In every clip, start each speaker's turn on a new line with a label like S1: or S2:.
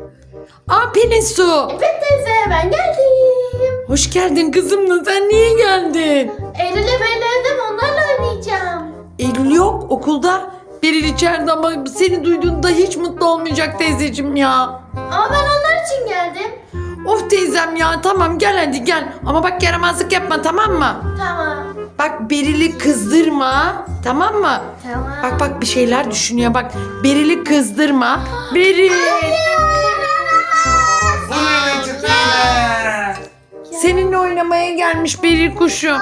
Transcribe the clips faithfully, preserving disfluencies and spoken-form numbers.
S1: Aa Pelin Su.
S2: Evet teyze ben geldim.
S1: Hoş geldin kızım da sen niye geldin?
S2: Eylül'e belirledim onlarla oynayacağım.
S1: Eylül yok okulda. Beril içeride ama seni duyduğunda hiç mutlu olmayacak teyzeciğim ya.
S2: Ama ben onlar için geldim.
S1: Of teyzem ya tamam gel hadi gel. Ama bak yaramazlık yapma tamam mı?
S2: Tamam.
S1: Bak Beril'i kızdırma tamam mı?
S2: Tamam.
S1: Bak bak bir şeyler düşünüyor bak. Beril'i kızdırma. Beril.
S3: Bu ne çıktı yine?
S1: Seninle oynamaya gelmiş Beril kuşu.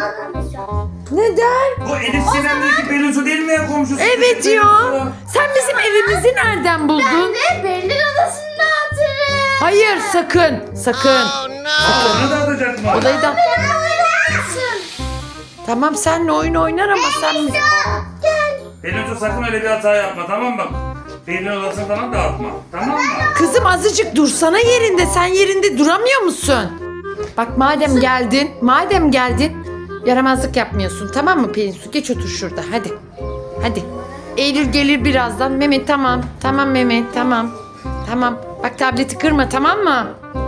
S1: Neden?
S3: Bu Elif Sinem'deki Pelin Su değil mi ya komşusu?
S1: Evet
S3: Pelin
S1: ya.
S3: Su.
S1: Sen bizim evimizi nereden
S2: Ben
S1: buldun?
S2: de Berlin odasında hatırım.
S1: Hayır sakın. Sakın.
S3: Aa, onu da atacak mı?
S1: Odayı da...
S2: Ben oynarsın.
S1: Tamam senle oyun oynar ama sen...
S2: Gel.
S3: Pelin Su sakın öyle bir hata yapma tamam mı? Pelin odasını falan dağıtma. Tamam mı?
S1: Kızım azıcık dursana yerinde. Sen yerinde duramıyor musun? Bak madem geldin, madem geldin yaramazlık yapmıyorsun tamam mı Pelin Su? Geç otur şurada hadi. Hadi. Eylül gelir birazdan. Mehmet tamam. Tamam Mehmet tamam. Tamam. Bak tableti kırma tamam mı?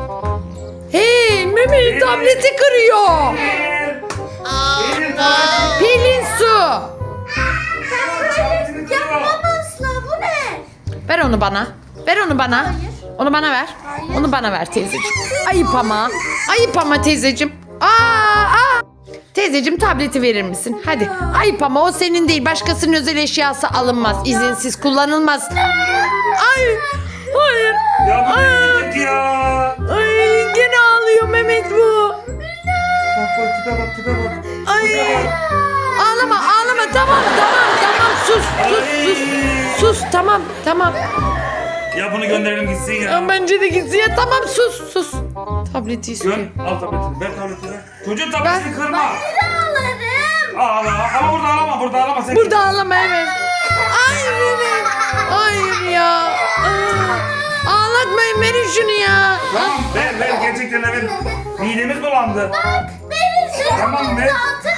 S1: Hey Mehmet tableti kırıyor.
S3: Pelin. Pelin tableti-
S1: Pelin Su.
S3: tabletini kırıyor.
S2: Asla bu ne?
S1: Ver onu bana. Ver onu bana.
S2: Hayır.
S1: Onu bana ver.
S2: Hayır.
S1: Onu bana ver teyzeciğim. Ayıp ama. Ayıp ama teyzeciğim. Aa, aa. Teyzeciğim tableti verir misin? Hadi. Ayıp ama o senin değil. Başkasının özel eşyası alınmaz. İzinsiz kullanılmaz. Ay. Hayır.
S3: Ya bu ne gittik ya?
S1: Ay gene ağlıyor Mehmet bu.
S3: Bak bak tipe bak tipe bak.
S1: Ay.
S3: Tipe bak.
S1: Ağlama ağlama tamam tamam tamam sus sus sus. Sus tamam tamam.
S3: Ya bunu gönderelim gitsin ya.
S1: Ya bence de gitsin ya tamam sus sus. Tableti istiyor.
S3: Gön al tabletini. Ver tabletini. Çocuğun tabletini kırma.
S2: Ağlarım.
S3: Ağla. Ama burada ağlama. Burada ağlama. Sen
S1: Burada ağlama evet. Ay Mehmet. Hayır ya. Aa, ağlatmayın verin şunu ya.
S3: Tamam ver ver gerçekten ver. Midemiz bulandı.
S2: Beni sen
S3: Tamam ver.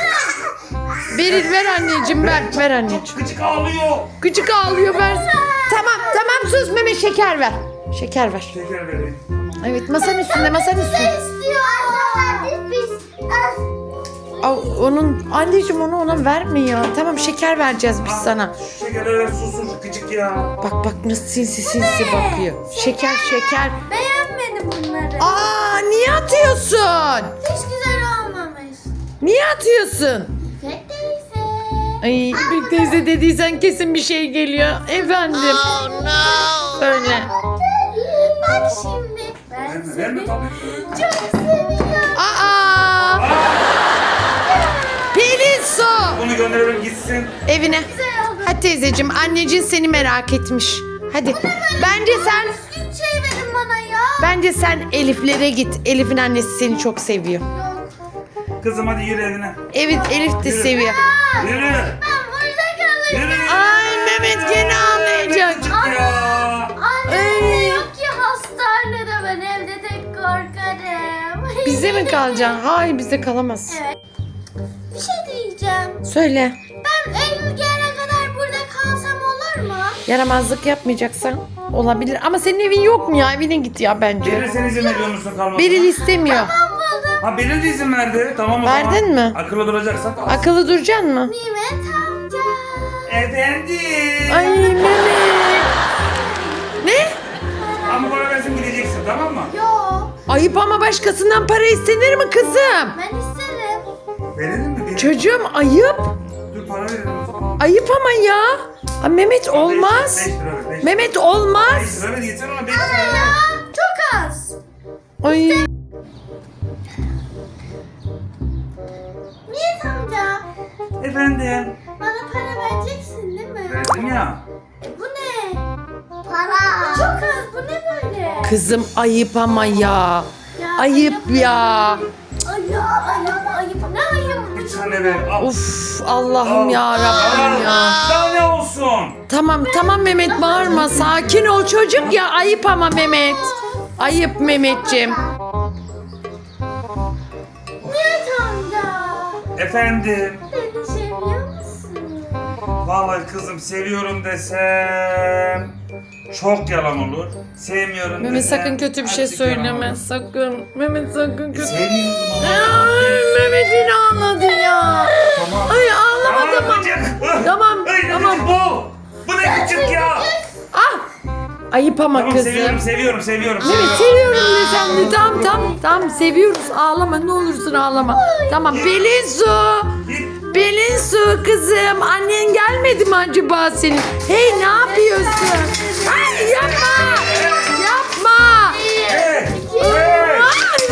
S1: Beril ver anneciğim ver. Ver anneciğim.
S3: Gıcık ağlıyor.
S1: Küçük ağlıyor ver. Tamam tamam sus Mehmet şeker ver. Şeker ver.
S3: Şeker vereyim.
S1: Evet masanın üstünde masanın üstünde.
S2: istiyor. Biz
S1: Aa, onun anneciğim onu ona verme ya. Tamam şeker vereceğiz biz sana.
S3: Şu şekerleri ver sus sus gıcık ya.
S1: Bak bak nasıl sinsi sinsi bakıyor. Şeker şeker.
S2: beğenmedim bunları.
S1: Aa niye atıyorsun?
S2: Hiç güzel olmamış.
S1: Niye atıyorsun?
S2: İpek teyze.
S1: Ay İpek teyze dediysen kesin bir şey geliyor. Efendim. Söyle.
S2: Bak şimdi. Ben
S3: Verme
S2: seni
S3: verme tabletini.
S2: çok seviyorum.
S1: Aa! Pelin Su.
S3: Bunu gönderelim gitsin.
S1: Evine.
S2: Güzel oldu.
S1: Hadi teyzeciğim anneciğin seni merak etmiş. Hadi. Bence sen
S2: Düzgün şey verin bana ya.
S1: bence sen Elif'lere git. Elif'in annesi seni çok seviyor.
S2: Yok.
S3: Kızım hadi yürü evine.
S1: Evet Elif de
S3: Yürü.
S1: seviyor.
S3: Yürü.
S2: Ben burada kalırım.
S3: Yürü.
S1: Ay Mehmet gene ağlayacak.
S3: Gıcık ya.
S2: Anne
S1: Ay.
S2: yok ki hastanede ben evde tek korkarım.
S1: Bize mi kalacaksın? Hayır bize kalamazsın.
S2: Evet. Bir şey diyeceğim.
S1: Söyle.
S2: Ben Eylül gelene kadar burada kalsam olur mu?
S1: Yaramazlık yapmayacaksan olabilir. Ama senin evin yok mu ya? Evine git ya bence.
S3: Beril sen izin veriyor musun kalmasına?
S1: Beril istemiyor.
S2: Ben buldum.
S3: Ha Beril de izin verdi. Tamam o zaman.
S1: Verdin mi?
S3: Akıllı duracaksan kal.
S1: Akıllı duracaksın mı?
S2: Nimet amca.
S3: Efendim.
S1: Ay Mehmet. Ne?
S3: Ama para versin gideceksin tamam mı?
S2: Yok.
S1: Ayıp ama başkasından para istenir mi kızım?
S2: Ben isterim.
S3: Verelim mi? Verelim.
S1: Çocuğum ayıp.
S3: Dur para verelim o zaman.
S1: Ayıp ama ya. Aa, Mehmet olmaz.
S3: beş lira ver. beş lira.
S1: Mehmet
S3: beş
S1: olmaz.
S3: lira ver gitsin ona beş lira
S2: Ya
S3: ver.
S2: çok az.
S1: Ay.
S2: Nimet amca.
S3: Efendim.
S2: Bana para vereceksin değil mi?
S3: Verdim ya.
S2: E, bu ne? Para. Çok az. Bu ne böyle?
S1: Kızım ayıp ama ya.
S2: Ya,
S1: Ayıp ya.
S2: Ayıp, ayıp, ayıp. Ne ayıp?
S3: Bir tane ver. Al.
S1: Uf Allah'ım
S3: Al.
S1: ya Rabbim ya.
S3: Daha ne olsun?
S1: Tamam tamam Mehmet bağırma. Sakin ol çocuk ya. Ayıp ama Mehmet. Ayıp Mehmetciğim.
S2: Nimet amca.
S3: Efendim.
S2: Beni seviyor musun?
S3: Vallahi kızım seviyorum desem çok yalan olur. Sevmiyorum
S1: Mehmet
S3: desen,
S1: sakın kötü bir
S3: her
S1: şey
S3: yalan
S1: söyleme.
S3: olur.
S1: Sakın. Mehmet sakın
S3: E,
S1: kötü.
S3: sevmiyorum ama.
S1: Ay, Mehmet yine ağladı ya.
S3: Tamam.
S1: Ay ağlama tamam.
S3: gıcık.
S1: Tamam,
S3: Ay, ne
S1: tamam.
S3: gıcık bu? Bu ne gıcık ya?
S1: Ah! Ayıp ama
S3: Tamam
S1: kızım.
S3: seviyorum seviyorum seviyorum.
S1: Mehmet seviyorum de sen de. Tamam tamam tamam seviyoruz. Ağlama ne olursun ağlama. Tamam Pelin Su.
S3: Git.
S1: Pelin Su kızım. Annen gelmedi mi acaba senin? Hey ne yapıyorsun? Ay yapma. Yapma.
S3: Hey, hey.
S1: Ay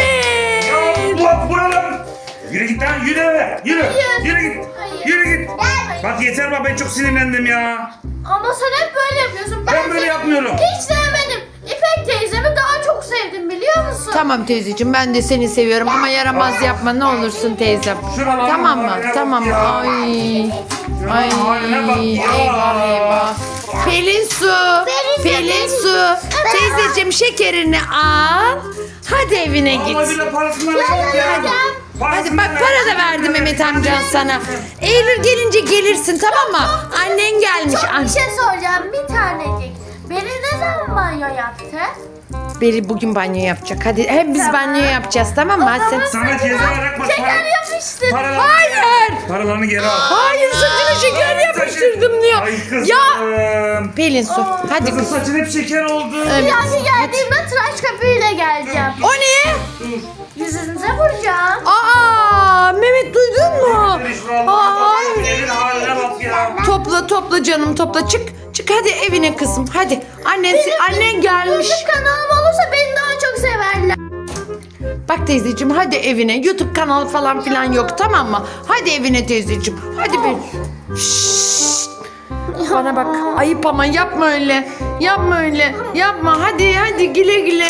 S1: Mehmet.
S3: Ya bu buralar. Yürü git lan yürü eve. Yürü. Yürü git. Yürü git. Bak yeter bak ben çok sinirlendim ya.
S2: Ama sen hep böyle yapıyorsun.
S3: Ben böyle
S2: seni
S3: yapmıyorum.
S2: Hiç sevmedim. İpek teyzemi daha çok sevdim biliyor musun?
S1: Tamam teyzeciğim ben de seni seviyorum ama yaramaz yapma ne olursun teyzem.
S3: Şuralara
S1: Tamam mı?
S3: bak ya,
S1: Tamam.
S3: bak ya.
S1: Ay. Ay.
S3: haline bak ya.
S1: Eyvah eyvah. Pelin Su.
S2: Pelin,
S1: Pelin
S2: Pelin.
S1: Su. Teyzeciğim şekerini al. Hadi evine git.
S3: Allah bile parasını alacak ya.
S1: Hadi
S3: Parasını
S1: bak para da verdi Mehmet amcan sana. Eylül gelince gelirsin tamam mı? Annen gelmiş.
S2: Çok
S1: An-
S2: bir şey soracağım bir tanecik. Beni ne zaman banyo yaptı?
S1: Beri bugün banyo yapacak. Hadi hep biz banyo yapacağız tamam mı? Hadi sen.
S3: Sana ceza olarak bak.
S2: Şeker yapıştır.
S3: Paralarını,
S1: Hayır.
S3: paralarını geri al.
S1: Hayır saçına şeker yapıştırdım diyor.
S3: Ay kızım.
S1: Ya Pelin Su hadi
S3: Kızım
S1: kız.
S3: saçın hep şeker oldu.
S1: Evet.
S2: Bir dahaki geldiğimde tıraş köpüğüyle geleceğim.
S1: O ne?
S3: Dur.
S2: Yüzünüze vuracağım.
S1: Aa Mehmet duydun mu? Aa,
S3: Elin haline bak ya.
S1: topla topla canım topla çık. Çık hadi evine kızım hadi. Annen, annen gelmiş.
S2: YouTube kanalım olursa beni daha çok severler.
S1: Bak teyzeciğim hadi evine. YouTube kanalı falan filan yok tamam mı? Hadi evine teyzeciğim. Hadi bir. Şşşt. Bana bak ayıp ama yapma öyle. Yapma öyle. Yapma hadi hadi güle güle.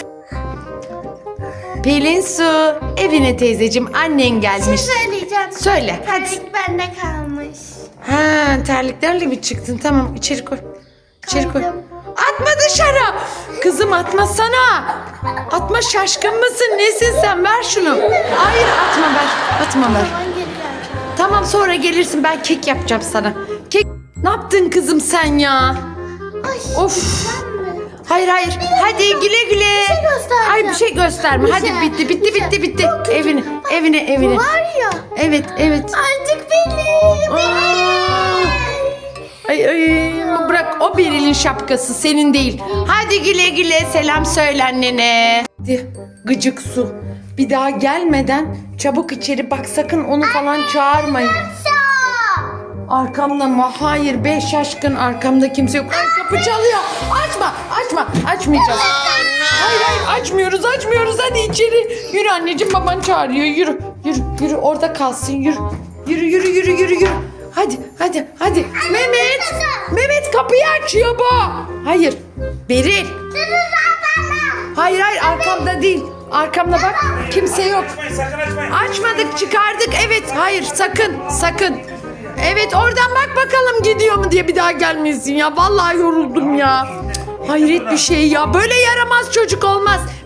S1: Pelin Su evine teyzeciğim annen gelmiş.
S2: Söyleyeceğim.
S1: Söyle hadi.
S2: Terlik bende kalmış.
S1: Ha terliklerle mi çıktın? Tamam içeri koy. İçeri koy.
S2: Koydum.
S1: Atma dışarı. Kızım atmasana. Atma şaşkın mısın? Nesin sen? Ver şunu. Hayır atma ver. Atma ver.
S2: Ben geri geleceğim.
S1: Tamam sonra gelirsin ben kek yapacağım sana. Kek ne yaptın kızım sen ya?
S2: Ay.
S1: Of.
S2: Sen mi?
S1: Hayır hayır. Hadi güle güle.
S2: şey göstereceğim.
S1: Hayır bir şey gösterme.
S2: Bir
S1: Hadi
S2: şey,
S1: bitti
S2: bir
S1: bitti
S2: şey.
S1: bitti bitti.
S2: Çok kötü.
S1: Evine evine evine.
S2: Bu var ya.
S1: Evet evet.
S2: Artık benim.
S1: Aa. Ay ay bırak o Beril'in şapkası senin değil. Hadi güle güle selam söyle annene. Hadi gıcık su. Bir daha gelmeden çabuk içeri bak sakın onu falan çağırmayın. Arkamda mı? Hayır be şaşkın arkamda kimse yok. Ay kapı çalıyor. Açma açma açmayacağız. Hayır hayır açmıyoruz açmıyoruz hadi içeri. Yürü anneciğim baban çağırıyor yürü yürü yürü orada kalsın yürü. Yürü yürü yürü yürü yürü. Hadi hadi hadi. Mehmet. Mehmet kapıyı açıyor bu. Hayır. Beril. Hayır hayır arkamda değil. Arkamda bak kimse yok.
S3: Açmayın sakın açmayın.
S1: Açmadık çıkardık evet hayır sakın sakın. Evet oradan bak bakalım gidiyor mu diye bir daha gelmesin ya. Vallahi yoruldum ya. Cık, hayret bir şey ya. Böyle yaramaz çocuk olmaz.